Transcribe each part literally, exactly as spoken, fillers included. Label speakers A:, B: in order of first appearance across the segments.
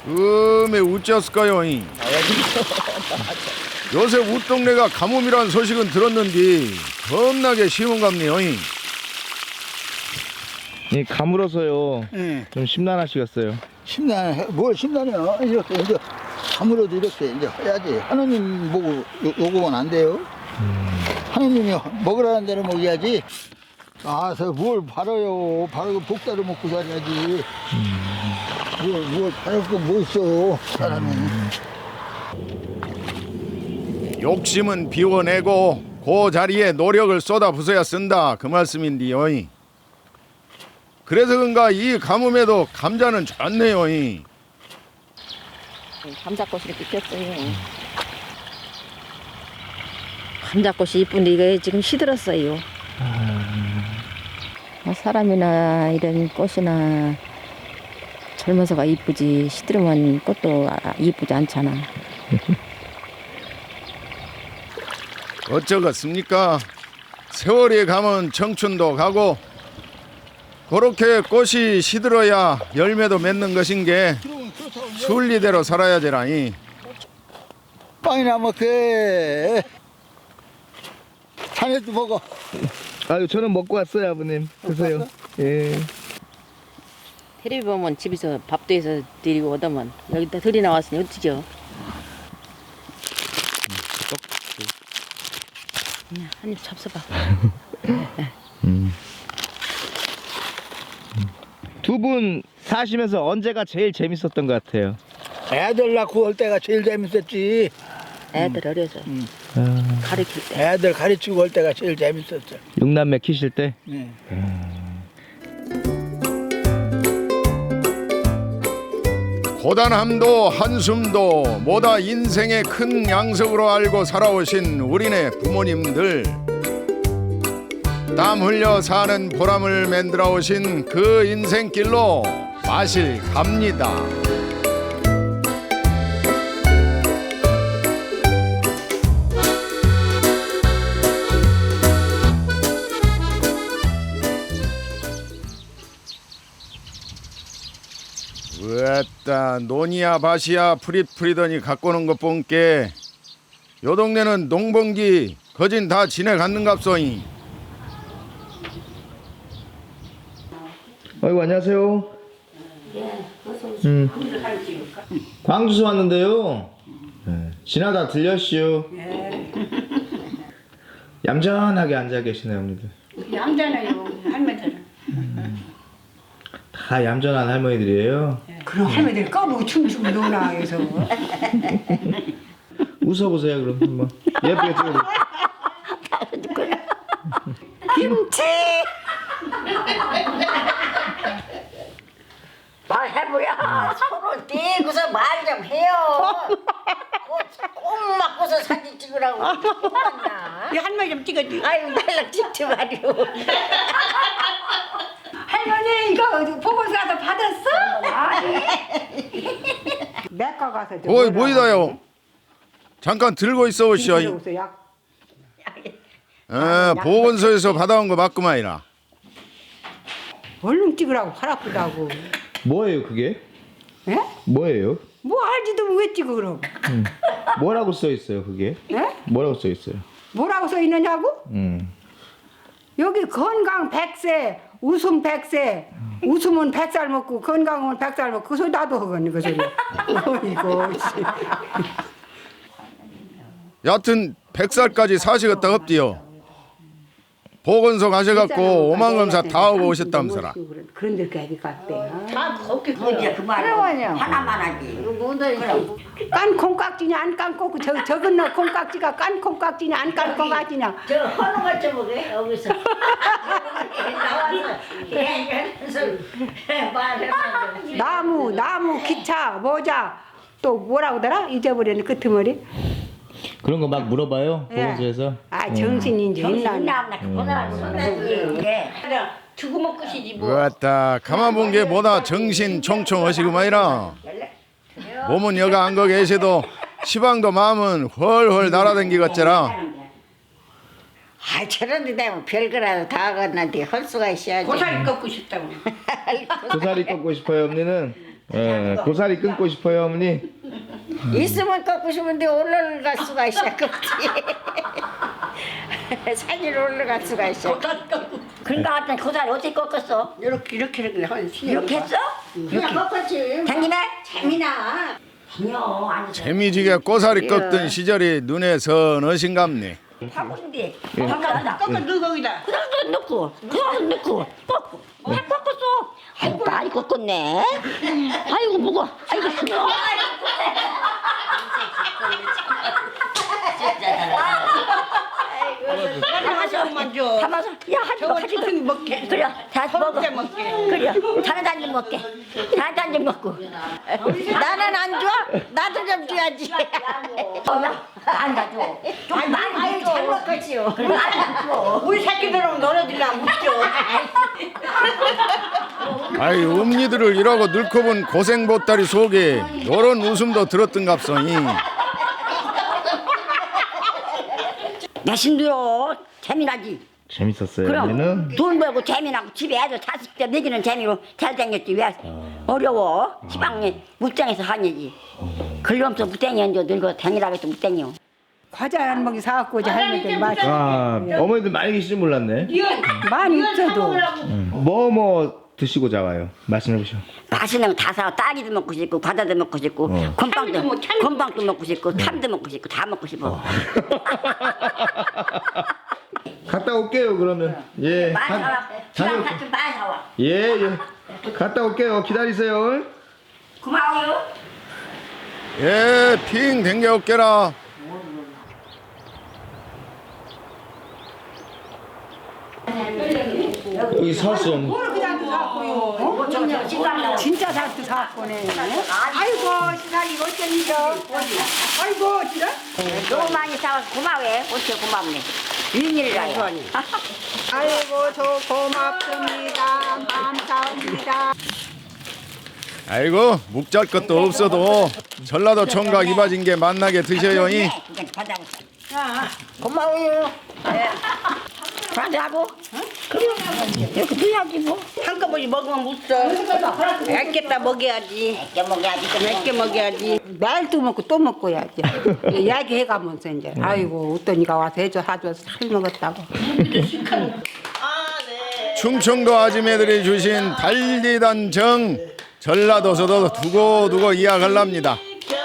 A: 음에 우찌었을까요? 이? 요새 웃동네가 가뭄이란 소식은 들었는데 겁나게 심은갑네요. 이.
B: 이 가물어서요.
C: 예.
B: 좀 심란하시겠어요.
C: 심란해. 뭘 심란해요? 이렇게 이제 아무래도 이렇게 이제 해야지. 하느님 보고 요, 요거면 안 돼요. 음. 하느님이 먹으라는 대로 먹어야지. 아서 뭘 바라요? 바라고 복다를 먹고 살아야지. 음. 뭘, 뭘 바랄 거 뭐 있어, 사람이. 음.
A: 욕심은 비워내고 그 자리에 노력을 쏟아부숴야 쓴다 그 말씀인데요. 이. 그래서 그런가 이 가뭄에도 감자는 좋네요. 이.
D: 감자꽃이 이렇게 폈어요. 감자꽃이 이쁜데 이게 지금 시들었어요. 뭐 사람이나 이런 꽃이나 젊어서가 이쁘지 시들으면 꽃도 이쁘지 않잖아.
A: 어쩌겠습니까? 세월이 가면 청춘도 가고 그렇게 꽃이 시들어야 열매도 맺는 것인 게 순리대로 살아야 되라니.
C: 빵이나 먹게. 자네도 먹어.
B: 아유, 저는 먹고 왔어요, 아버님. 드세요. 예.
D: 텔레비 보면 집에서 밥도 해서 드리고 오다만 여기다 들이 나왔으니 어떡하죠? 그냥 한입 잡숴봐.
B: 음. 두 분 사시면서 언제가 제일 재밌었던 것 같아요?
C: 애들 낳고 올 때가 제일 재밌었지.
D: 애들 어려서
C: 음.
B: 아,
D: 가르칠 때.
C: 애들 가르치고 올 때가 제일 재밌었죠.
B: 육남매 키실 때?
C: 네.
A: 고단함도 한숨도 모다 인생의 큰 양석으로 알고 살아오신 우리네 부모님들, 땀 흘려 사는 보람을 만들어 오신 그 인생길로 마실 갑니다. 으따 논이야 밭이야 프릿프리더니 갖고 오는 것 본게 요 동네는 농번기 거진 다 지내갔는갑소이.
B: 아이고, 안녕하세요. 음. 광주서 왔는데요. 네. 지나다 들렸슈. 얌전하게 앉아 계시네요, 어머니들.
E: 얌전해요 할머니들은.
B: 다 얌전한 할머니들이에요.
E: 그럼 할머니들 까보고 춤추고 노나 해서.
B: 웃어보세요, 그럼 한번. 예쁘게 찍어보세요.
E: 김치. 말해보야.
F: 서로 떼고서 말 좀 해요. 꼭 맞고서 사진 찍으라고. 맞나?
E: 이 할머니 좀 찍어줘.
F: 아유 날락 찍지 말이오.
E: 할머니 이거 보고서 가서 받았어? 아니. 내과 가서. 좀
A: 어이
E: 뭐라고
A: 뭐이다요.
E: 하지?
A: 잠깐 들고 있어 오시오.
E: 들어오세요. 약.
A: 아, 보건소에서 받아온 거 맞구만이라.
E: 얼른 찍으라고 팔 아프다고.
B: 뭐예요, 그게?
E: 예?
B: 뭐예요?
E: 뭐 알지도 왜 찍어 그럼?
B: 음. 뭐라고 써 있어요, 그게?
E: 예?
B: 뭐라고 써 있어요?
E: 뭐라고 써 있느냐고?
B: 음.
E: 여기 건강 백세, 웃음 백세, 웃음은 백살 먹고 건강은 백살 먹고 그 소리 나도 하겠네 그 소리. 어이구 씨.
A: 여하튼 백 살까지 사시겠다 없디요. 보건소 가셔갖고 오만검사 다 하고 오셨다면서라.
E: 그런 데까지 갔대요.
F: 다 거기 거기야 그 말이야.
E: 그러면요.
F: 하나만 하지.
E: 깐 콩깍지냐 안 깐 콩, 저 적은 너 콩깍지가 깐 콩깍지냐 안 깐 콩깍지냐.
F: 저 허는 것좀 보게 여기서. 나와서 얘기하면서 말해봐.
E: 나무 나무 기차 모자 또 뭐라고 더라 잊어버렸네 끄트머리.
B: 그런 거 막 물어봐요, 보건소에서?
E: 아 정신인지 있나.
F: 나나 그거나 손대지. 주고 먹고 시지 뭐.
A: 으따 가만 본 게 뭐다 정신 총총하시구만이라. 몸은 여가 안 거 계셔도 시방도 마음은 훨훨 날아댕기겠더라.
F: 아 저런데 되면 별거라도 다 하겠는데 할 수가 있어야지.
E: 고사리 꺾고 싶다고.
B: 고사리 꺾고 싶어요, 언니는? 예, 고사리 끊고 싶어요, 어머니.
F: 있으면 꺾고 싶은데 올라갈 수가 있어 꺾지. 산위로 올라갈 수가 있어.
G: 그러니까 하여튼 고사리 어떻게 꺾었어?
F: 이렇게 이렇게 이렇게 한
G: 이렇게 했어?
F: 그냥 꺾었지.
G: 당기네?
F: 재미나.
G: 아니요 아니
A: 재미지게 꼬사리 꺾던 시절이 눈에 선하신갑네.
G: 바꾸는데
B: 예.
G: 바꿔
F: 꺾어 넣어 거기다.
G: 그냥 넣고 그냥 넣고 꺾고 다 꺾었어. 아이고 많이 꺾었네. 아이고 무거. 아이고 무거.
F: 하나씩만 줘.
G: 담아서 야 하지
F: 저거
G: 하지
F: 천천히 먹게.
G: 그래 다 먹어.
F: 혼자 먹게.
G: 그래 다른 단좀 먹게. 다른 단좀 먹고.
F: 나는 안 줘. 나도 좀 줘야지.
G: 안 가져. 좀 많이 줘.
F: 잘 먹겠지요.
G: 그래 안 줘.
F: 우리 새끼들은 너네들이랑 못 줘.
A: 아이 엄니들을 이러고 늙고 본 고생 보따리 속에 요런 웃음도 들었던갑소니.
G: 내심도요 재미나지.
B: 재밌었어요,
G: 그럼
B: 어머니는?
G: 돈 벌고 재미나고 집에 애들 자식 때 먹이는 재미로 잘 생겼지 왜 어려워 지방에 무땡에서 하냐지. 글럼서 무땡이었는데 늙어 다니라고 해서 무땡이요.
E: 과자 한 먹이 사갖고 이제 할머니들 마시.
B: 아, 어머니들 많이 계실 줄 몰랐네.
E: 많이 있어도.
B: 뭐 뭐 드시고 자와요? 말씀해 보시오.
G: 맛있는 거 다 사. 딸기도 먹고 싶고 과자도 먹고 싶고
B: 어.
G: 곰빵도 곰빵도 먹고 싶고 탐도 먹고 싶고 다 먹고 싶어.
B: 갔다 올게요, 그러면. 예.
G: 많이
B: 가-
G: 사와. 지방 같은 많이 사와.
B: 예, 예. 갔다 올게요. 기다리세요.
G: 고마워요.
A: 예, 핑 댕겨 올게라.
B: 여기 사슴.
E: 진짜 잘도 사갖고네. 아이고 시사리 어쩐이죠. 아이고 진짜.
G: 너무 많이 사와서 고마워해. 어째 고맙네. 윈일이라요.
E: 아이고 저 고맙습니다. 감사합니다.
A: 아이고 묵잘 것도 없어도 전라도 총각 이바진 게 만나게 드셔요이.
G: 고마워요. 과자하고 이렇게 드야지 뭐.
F: 한꺼번에 먹으면 못 써. 얇겠다 먹여야지.
G: 몇 먹어야지.
F: 몇 개 먹여야지.
E: 날도 먹고 또 먹고야지. 이야기해가면서 이제 아이고 어떤 이가 와서 해줘 사줘서 잘 먹었다고.
A: 충청도 아줌매들이 주신 달리단 정 전라도서도 두고두고 이야기할랍니다.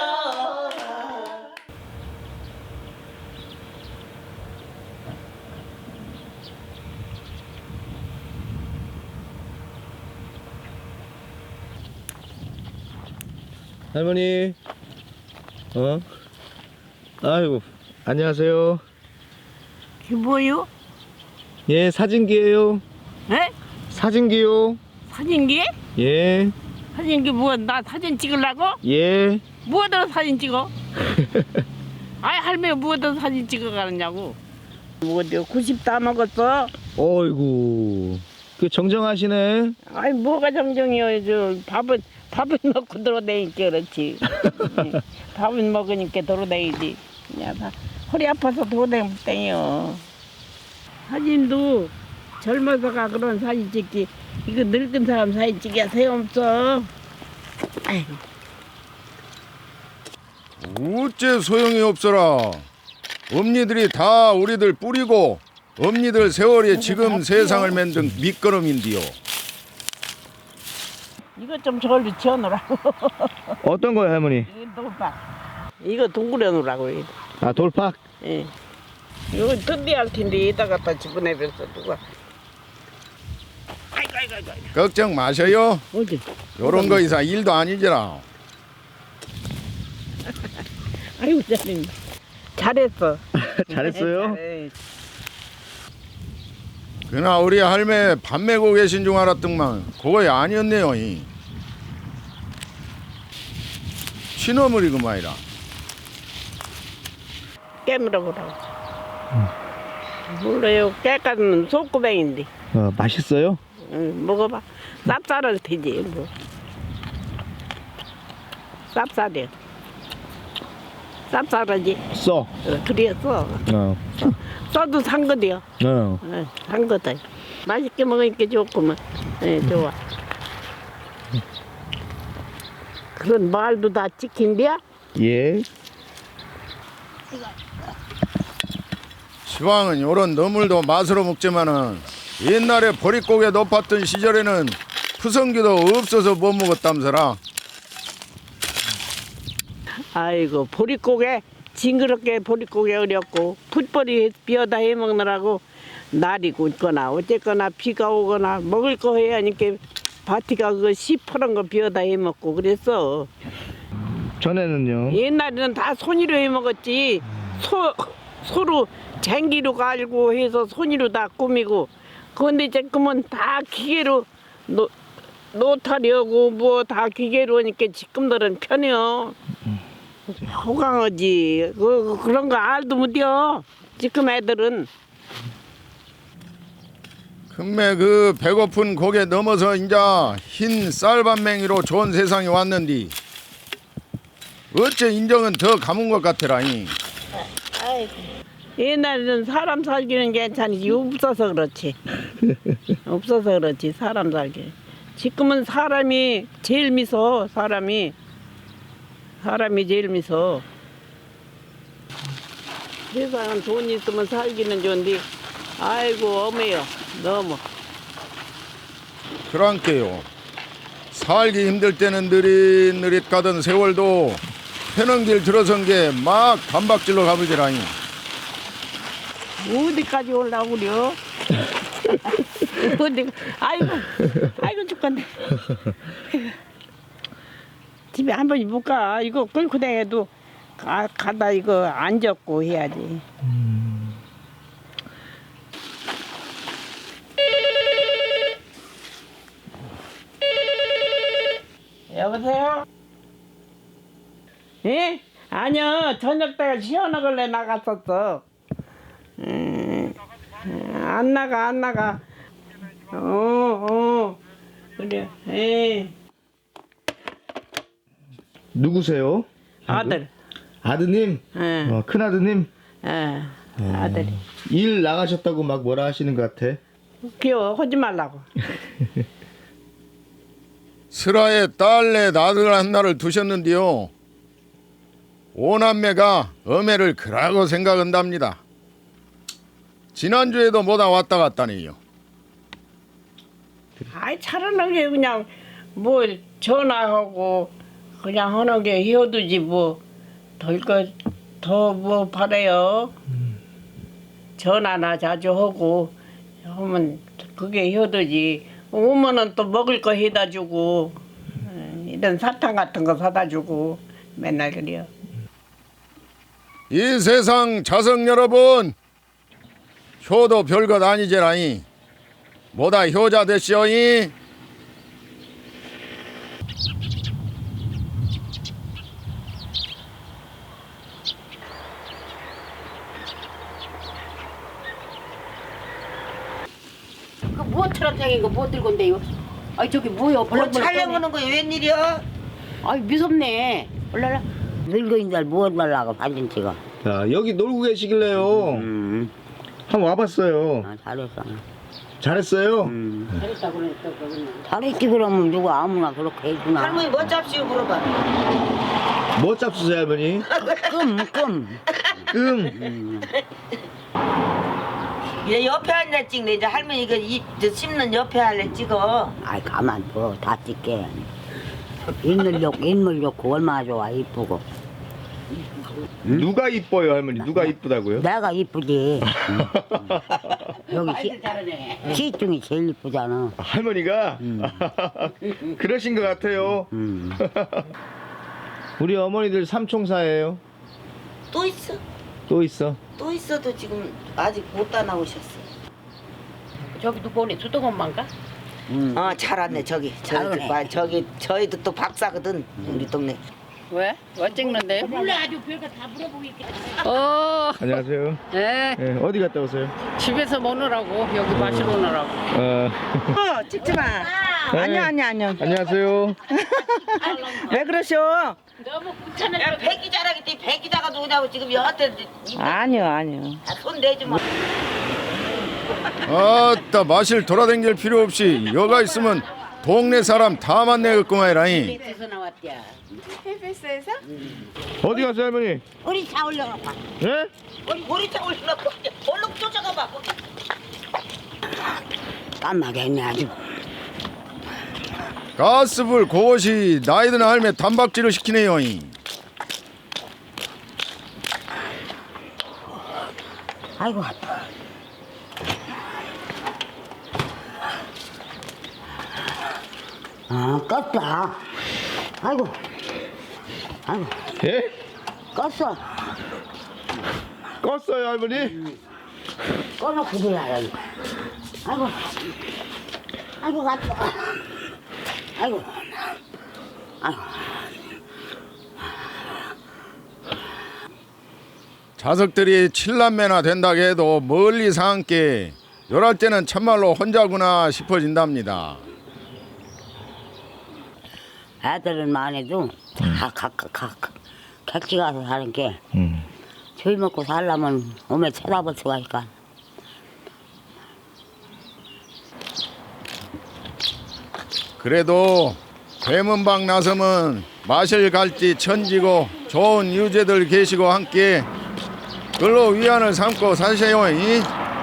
B: 할머니. 어? 아이고, 안녕하세요.
F: 이게 뭐요?
B: 예, 사진기예요.
F: 에?
B: 사진기요.
F: 사진기?
B: 예.
F: 사진기 뭐야? 나 사진 찍으려고?
B: 예.
F: 뭐하다 사진 찍어? 아이 할머니 뭐하다 사진 찍어 가느냐고. 뭐 내가 구십 다 먹었어.
B: 어이구. 그 정정하시네.
F: 아이 뭐가 정정이요. 저 밥은 밥은 먹고 돌아다니까 그렇지. 응. 밥은 먹으니까 돌아다니지. 그냥 다 허리 아파서 돌아다니면 땡이요. 사진도 젊어서가 그런 사진 찍지. 이거 늙은 사람 사진 찍기가 소용없어. 아이고.
A: 어째 소용이 없어라. 엄니들이 다 우리들 뿌리고 엄니들 세월이 지금 세상을 만든 밑거름인디요.
F: 이거 좀 저리 지어놓으라고.
B: 어떤 거요, 할머니?
F: 이거 돌박. 이거 동그려 놓으라고. 이거.
B: 아, 돌팍?
F: 예. 이거 든디할 텐데 이따 갖다 집어내면서 누가. 아이고 아이고 아이고. 아이고.
A: 걱정 마셔요.
F: 어디?
A: 요런 거 이상 일도 아니지라.
F: 아이고 잘했네. 잘했어.
B: 잘했어요?
F: 잘해.
A: 그나 우리 할매 밥 메고 계신 줄 알았더만 그거야 아니었네요. 이. 친어물이구만이라.
F: 깨물어 보라고. 몰라요. 깨까지는 속구뱅인데.
B: 어, 맛있어요?
F: 응, 먹어봐. 쌉쌀할 테지 뭐. 쌉쌀해. 쌉쌀하지.
B: 써.
F: 어, 그래 써.
B: 어.
F: 써도 산 거대요.
B: 어.
F: 어, 산 거다. 맛있게 먹으니까 좋구만. 예, 좋아. 그런 말도 다 찍힌대야?
B: 예.
A: 시방은 요런 너물도 맛으로 먹지만은 옛날에 보릿고개 높았던 시절에는 푸성기도 없어서 못 먹었담서라.
F: 아이고 보릿고개 징그럽게 보릿고개 어렵고 풋벌이 비어다 해먹느라고 날이 굳거나 어쨌거나 비가 오거나 먹을 거 해야 하니까 바티가 그 시퍼런 거 비어다 해먹고 그랬어.
B: 전에는요.
F: 옛날에는 다 손으로 해먹었지. 소, 소로 쟁기로 갈고 해서 손으로 다 꾸미고. 그런데 지금은 다 기계로 노, 노타려고 뭐 다 기계로 하니까 지금들은 편해요. 호강하지. 그, 그런 거 알도 못해요. 지금 애들은.
A: 금매 그 배고픈 고개 넘어서 인자 흰 쌀밥맹이로 좋은 세상이 왔는디 어째 인정은 더 가문 것 같으라니.
F: 옛날에는 사람 살기는 괜찮지 없어서 그렇지. 없어서 그렇지 사람 살기. 지금은 사람이 제일 미소. 사람이 사람이 제일 미소. 세상은 돈 있으면 살기는 좋은데 아이고 어메요 너무.
A: 그랑께요. 살기 힘들 때는 느릿느릿 가던 세월도 편한 길 들어선 게 막 단박질로 가버지라니.
F: 어디까지 올라오려? 어디? 아이고, 아이고 죽겠네. 집에 한 번씩 못 가. 이거 끌고 다녀도 가, 가다 이거 안 젖고 해야지. 여보세요? 예? 아니요, 저녁 때 시원하길래 나갔었어. 음, 안 나가 안 나가. 어, 어, 그래. 에
B: 누구세요?
F: 아들.
B: 아드님?
F: 예,
B: 어, 큰 아드님?
F: 예, 아들이.
B: 일 나가셨다고 막 뭐라 하시는 것 같아.
F: 귀여워, 하지 말라고.
A: 슬하에 딸내 아들 하나를 두셨는데요. 오남매가 어매를 그라고 생각한답니다. 지난주에도 뭐다 왔다 갔다니요.
F: 아이 차라리 게 그냥 뭐 전화하고 그냥 하는 게 히어두지 뭐 덜 거 더 뭐 바래요. 전화나 자주 하고 하면 그게 히어두지. 오면은 또 먹을 거 해다 주고 이런 사탕 같은 거 사다 주고 맨날 그래요.
A: 이 세상 자석 여러분, 효도 별것 아니제라니. 뭐다 효자 되시오니.
D: 그 뭐처럼 생긴 거 뭐 들고 온대요? 아이 저기 뭐요? 벌렁벌렁
H: 촬영하는 거 웬일이야?
D: 아이 무섭네. 올라라.
G: 늙은이들 뭘 말라고 반진 찍어.
B: 자, 여기 놀고 계시길래요.
G: 음,
B: 한번 와봤어요.
G: 아, 잘했어.
B: 잘했어요?
G: 음.
D: 잘했다 그러니까 그러면.
G: 잘했지 그러면 누가 아무나 그렇게 해주나.
H: 할머니 뭐 잡시오 물어봐.
B: 뭐 짭수세요, 할머니?
G: 끔, 끔.
B: 끔.
H: 얘 옆에 앉아 찍네. 이제 할머니 그 입, 저 씹는 옆에 할래 찍어.
G: 아이 가만 둬. 다 찍게. 인물 좋고 인물 좋고 얼마나 좋아 이쁘고.
B: 누가 이뻐요, 할머니? 누가 이쁘다고요?
G: 내가 이쁘지. 여기
D: 아이들 잘하네.
G: 시, 시 중에 제일 이쁘잖아.
B: 할머니가? 그러신 것 같아요.
G: 음.
B: 우리 어머니들 삼총사예요.
H: 또 있어.
B: 또 있어.
H: 또 있어도 지금 아직 못 다 나오셨어.
D: 저기 누구 오네? 수도건만가?
G: 음.
H: 어, 잘 왔네 저기. 저기,
G: 잘하네.
H: 봐, 저기 저희도 또 박사거든 우리 동네.
D: 왜? 왜 찍는데? 몰라 아주 별거 다 물어보고 있겠다. 어,
B: 안녕하세요.
D: 네.
B: 네, 어디 갔다 오세요?
D: 집에서 먹느라고 여기 마시러 오느라고.
B: 어,
I: 어, 찍지 마.
B: 네.
I: 아니야, 아니야, 아니야.
B: 안녕하세요.
I: 왜 그러셔?
D: 너무 귀찮은
H: 야 백기 자라겠지. 백기자가 누구냐고 지금 여한테
I: 아니요, 아니요.
H: 손 내지 마.
A: 아따 마실 돌아댕길 필요 없이 여가 있으면 동네 사람 다 만나겠구만이라니.
D: 에서 나왔대야.
F: 헬베스에서?
B: 어디 갔어요 할머니?
H: 우리 차 올려놓고.
B: 예?
H: 우리 우리 차 올려놓고 얼른 쫓아가봐.
G: 깜나게 했네 아주.
A: 가스불 그것이 나이든 할매 단박질을 시키네요.
G: 아이고. 아, 껐다. 아이고. 아이고,
B: 예?
G: 껐어.
B: 껐어요 할머니?
G: 꺼놓고 들어야 돼. 아이고. 아이고, 갔다. 아이고. 아이고.
A: 자석들이 칠남매나 된다고 해도 멀리서 함께 요럴 때는 참말로 혼자구나 싶어진답니다.
G: 애들은 많아도 다 각각 각각 객지 가서 사는 게
B: 음.
G: 저희 먹고 살려면 몸에 쳐다볼 수가 있까.
A: 그래도 대문방 나서면 마실 갈지 천지고 좋은 유재들 계시고 함께 글로 위안을 삼고 사세요. 이?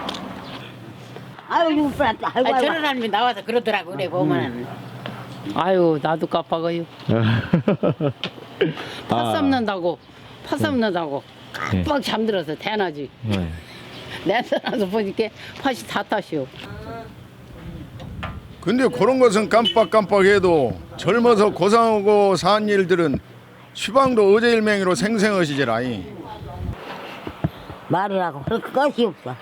G: 아유 이거 뻔했다. 아이고
D: 아,
G: 아이고.
D: 저런 사람이 나와서 그러더라고 그래 보면은.
F: 아유 나도 깜빡아요. 팥
B: 아.
F: 삶는다고 팥 삶는다고
B: 네.
F: 깜빡 잠들어서 대낮이.
B: 네.
F: 내서 나서 보니까 팥이 다 탔시오.
A: 근데 그런 것은 깜빡깜빡해도 젊어서 고상하고 산 일들은 시방도 어제일맹이로 생생하시지라이.
G: 말이라고 할 것이 없어.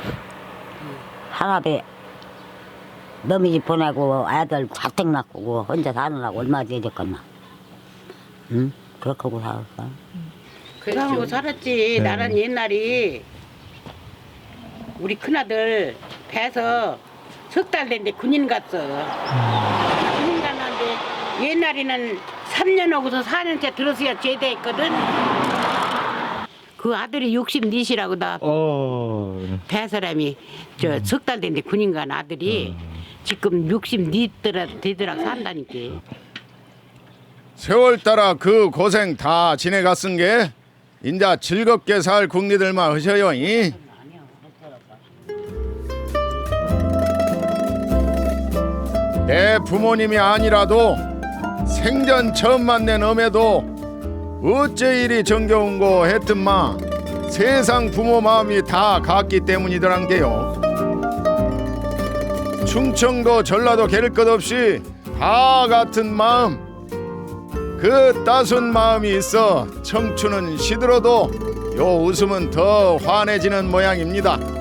G: 하나배 너미 집 보내고 애들 자택 낳고 혼자 사느라고 얼마 되졌겠나. 응? 그렇게 하고 살았어.
D: 그러고 살았지. 나는 옛날에 우리 큰아들 배서 석 달 됐는데 군인 갔어. 군인 갔는데 옛날에는 삼 년 하고서 사 년째 들어서야 제대했거든. 그 아들이 육십이시라고 나
B: 어.
D: 배 사람이 저 석 달 됐는데 군인 간 아들이 지금 육십이 되더라 산다니까.
A: 세월 따라 그 고생 다 지내갔은 게 인자 즐겁게 살 국리들만 하셔요. 이? 내 부모님이 아니라도 생전 처음 만난 엄에도 어째 이리 정겨운 거 했든마 세상 부모 마음이 다 같기 때문이더란 게요. 충청도 전라도 게를 것 없이 다 같은 마음, 그 따순 마음이 있어 청춘은 시들어도 요 웃음은 더 환해지는 모양입니다.